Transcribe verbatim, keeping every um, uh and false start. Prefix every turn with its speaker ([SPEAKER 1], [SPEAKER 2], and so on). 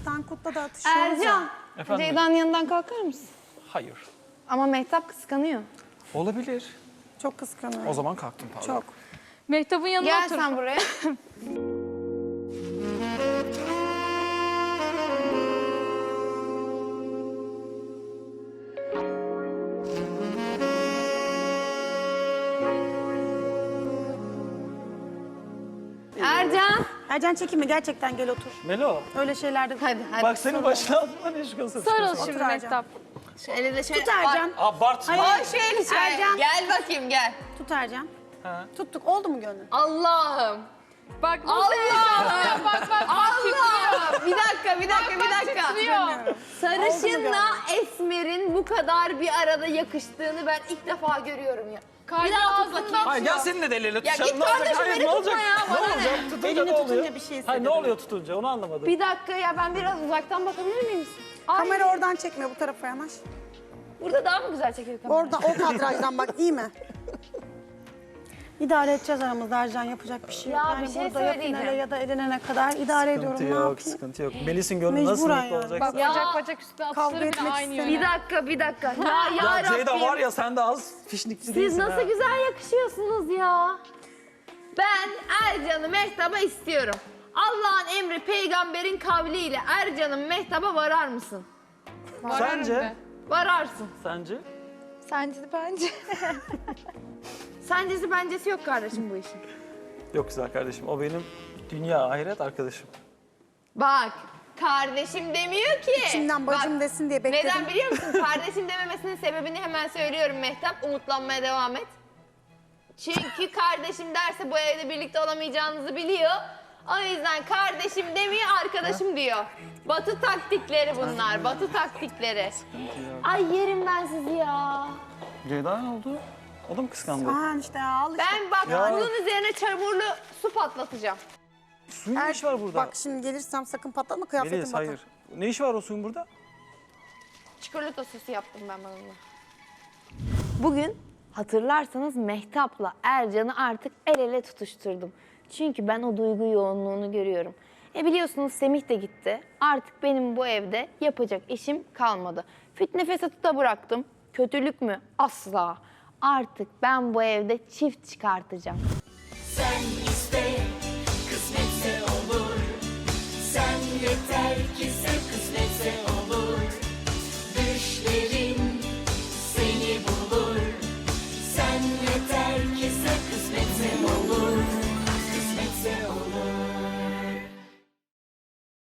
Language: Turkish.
[SPEAKER 1] Tankut'la da atışıyoruz
[SPEAKER 2] Ercan,
[SPEAKER 1] ya.
[SPEAKER 3] Efendim?
[SPEAKER 2] Ceyda'nın yanından kalkar mısın?
[SPEAKER 3] Hayır.
[SPEAKER 2] Ama Mehtap kıskanıyor.
[SPEAKER 3] Olabilir.
[SPEAKER 1] Çok kıskanıyorum.
[SPEAKER 3] O zaman kalktım pardon.
[SPEAKER 1] Çok.
[SPEAKER 4] Mehtap'ın yanına
[SPEAKER 2] Gel
[SPEAKER 4] otur.
[SPEAKER 2] sen buraya. Ercan.
[SPEAKER 1] Ercan çekinme, gerçekten gel otur.
[SPEAKER 3] Melo.
[SPEAKER 1] Öyle şeylerde...
[SPEAKER 2] Hadi hadi.
[SPEAKER 3] Bak senin başına altından ne çıkıyorsun?
[SPEAKER 4] Sarıl
[SPEAKER 1] Otur
[SPEAKER 4] şimdi
[SPEAKER 1] Ercan.
[SPEAKER 4] Mehtap.
[SPEAKER 2] Şu eli de şöyle.
[SPEAKER 1] Tut Ercan.
[SPEAKER 3] Abartma.
[SPEAKER 1] Hayır.
[SPEAKER 2] Ay şu eli şöyle.
[SPEAKER 1] Ercan.
[SPEAKER 2] Gel bakayım gel.
[SPEAKER 1] Tut Ercan.
[SPEAKER 3] Ha.
[SPEAKER 1] Tuttuk. Oldu mu gönlün?
[SPEAKER 2] Allah'ım.
[SPEAKER 4] Bak nasıl heyecanlı. Bak bak bak
[SPEAKER 2] Allah! Bir dakika, bir dakika, bir dakika.
[SPEAKER 4] titriyor.
[SPEAKER 2] Sarışınla Esmer'in bu kadar bir arada yakıştığını ben ilk defa görüyorum ya.
[SPEAKER 4] Kalbi
[SPEAKER 2] daha tut
[SPEAKER 4] ağzından
[SPEAKER 3] Hayır gel senin de deliyle
[SPEAKER 2] Ya
[SPEAKER 3] tutuşalım.
[SPEAKER 2] git
[SPEAKER 3] Ne olacak?
[SPEAKER 2] kardeşim,
[SPEAKER 3] Hayır
[SPEAKER 2] beni
[SPEAKER 3] ne olacak?
[SPEAKER 2] tutma ya,
[SPEAKER 3] Ne
[SPEAKER 2] bana
[SPEAKER 3] olacak?
[SPEAKER 2] ne?
[SPEAKER 3] Tutunca
[SPEAKER 1] Elini
[SPEAKER 3] ne oluyor?
[SPEAKER 1] tutunca bir şey
[SPEAKER 3] Hayır
[SPEAKER 1] hissediyorum.
[SPEAKER 3] ne oluyor tutunca onu anlamadım.
[SPEAKER 2] Bir dakika ya ben biraz uzaktan bakabilir miyim? Ay,
[SPEAKER 1] Kamera oradan çekme, bu tarafa yanaş.
[SPEAKER 2] burada daha mı güzel çekiyor kamera?
[SPEAKER 1] Orada o kadrajdan bak, iyi mi? İdare edeceğiz aramızda Ercan, yapacak bir şey yok.
[SPEAKER 2] Ya
[SPEAKER 1] yani
[SPEAKER 2] bir şey
[SPEAKER 1] burada ya
[SPEAKER 2] söyleyeceğim.
[SPEAKER 1] finale ya da elenene kadar idare ediyorum.
[SPEAKER 3] Sıkıntı
[SPEAKER 1] Ne
[SPEAKER 3] yok,
[SPEAKER 1] yapayım?
[SPEAKER 3] sıkıntı yok. Melis'in gönlü nasıl
[SPEAKER 1] Mecburen
[SPEAKER 3] mutlu
[SPEAKER 1] yani.
[SPEAKER 3] olacak?
[SPEAKER 4] Bak
[SPEAKER 2] Ya.
[SPEAKER 4] bacak bacak üstü
[SPEAKER 1] Kavga
[SPEAKER 4] atışları bile
[SPEAKER 1] etmek
[SPEAKER 4] aynı
[SPEAKER 1] istemiyorum.
[SPEAKER 2] Bir
[SPEAKER 4] yöne.
[SPEAKER 2] dakika, bir dakika. Ya, ya,
[SPEAKER 3] Ya Ceyda
[SPEAKER 2] Rabbim.
[SPEAKER 3] var ya sen de az fişnikli
[SPEAKER 2] Siz
[SPEAKER 3] değilsin
[SPEAKER 2] nasıl
[SPEAKER 3] ha.
[SPEAKER 2] güzel yakışıyorsunuz ya. Ben Ercan'ı Mehtap'a istiyorum. Allah'ın emri peygamberin kavliyle Ercan'ın Mehtap'a varar mısın?
[SPEAKER 4] Vararım
[SPEAKER 3] Sence?
[SPEAKER 4] de.
[SPEAKER 2] Vararsın.
[SPEAKER 3] Sence?
[SPEAKER 4] Sence de bence.
[SPEAKER 2] Sencesi bencesi yok kardeşim bu işin.
[SPEAKER 3] Yok güzel kardeşim o benim dünya ahiret arkadaşım.
[SPEAKER 2] Bak kardeşim demiyor ki.
[SPEAKER 1] İçimden bacım
[SPEAKER 2] Bak,
[SPEAKER 1] desin diye bekledim.
[SPEAKER 2] neden biliyor musun? Kardeşim dememesinin sebebini hemen söylüyorum Mehtap. Umutlanmaya devam et. Çünkü kardeşim derse bu evde birlikte olamayacağınızı biliyor. O yüzden kardeşim demiyor, arkadaşım diyor. Batı taktikleri bunlar, batı taktikleri. Ay yerim ben sizi ya.
[SPEAKER 3] Ceyda ne oldu? O da mı kıskandı?
[SPEAKER 1] Aa işte ya, al işte.
[SPEAKER 2] Ben bak
[SPEAKER 3] Ya.
[SPEAKER 2] bunun üzerine çamurlu su patlatacağım.
[SPEAKER 3] Suyun ne işi var burada?
[SPEAKER 1] Bak şimdi gelirsem sakın patlatma, kıyafetim
[SPEAKER 3] Melis
[SPEAKER 1] batar.
[SPEAKER 3] hayır. Ne işi var o suyun burada?
[SPEAKER 2] Çikolata sosu yaptım ben bununla. Bugün hatırlarsanız Mehtap'la Ercan'ı artık el ele tutuşturdum. Çünkü ben o duygu yoğunluğunu görüyorum. E biliyorsunuz Semih de gitti. Artık benim bu evde yapacak işim kalmadı. Fitne fesatı da bıraktım. Kötülük mü? Asla. Artık ben bu evde çift çıkartacağım.
[SPEAKER 5] Sen iste, kısmetse olur. Sen yeter ki sev, kısmetse olur.